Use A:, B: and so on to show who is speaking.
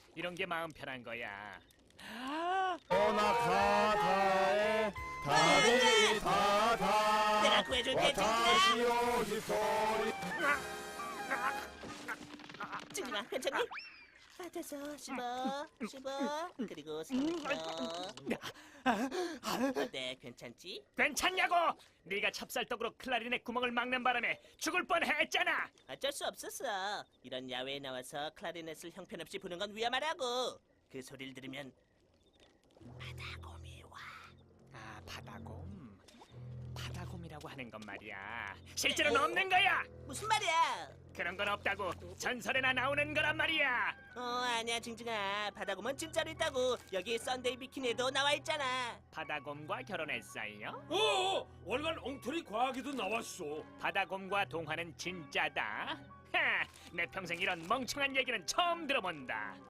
A: 이런 게 마음 편한 거야.
B: 오나카타에 다리 다다
C: 내가 구해줄게, 찡찡아, 괜찮니? 받아서 씹어, 그리고 삼켜. 어때, 괜찮지?
A: 괜찮냐고? 네가 찹쌀떡으로 클라리넷 구멍을 막는 바람에 죽을 뻔했잖아.
C: 어쩔 수 없었어. 이런 야외에 나와서 클라리넷을 형편없이 부는 건 위험하다고. 그 소리를 들으면 바다곰이 와.
A: 아, 바다곰. 바다곰이라고 하는 건 말이야. 실제로는 없는 거야.
C: 무슨 말이야?
A: 그런 건 없다고. 전설에나 나오는 거란 말이야.
C: 아니야, 징징아. 바다곰은 진짜로 있다고. 여기 썬데이 비키니에도 나와 있잖아.
A: 바다곰과 결혼했어요?
D: 월간 엉터리 과학에도 나왔어.
A: 바다곰과 동화는 진짜다. 하, 내 평생 이런 멍청한 얘기는 처음 들어본다.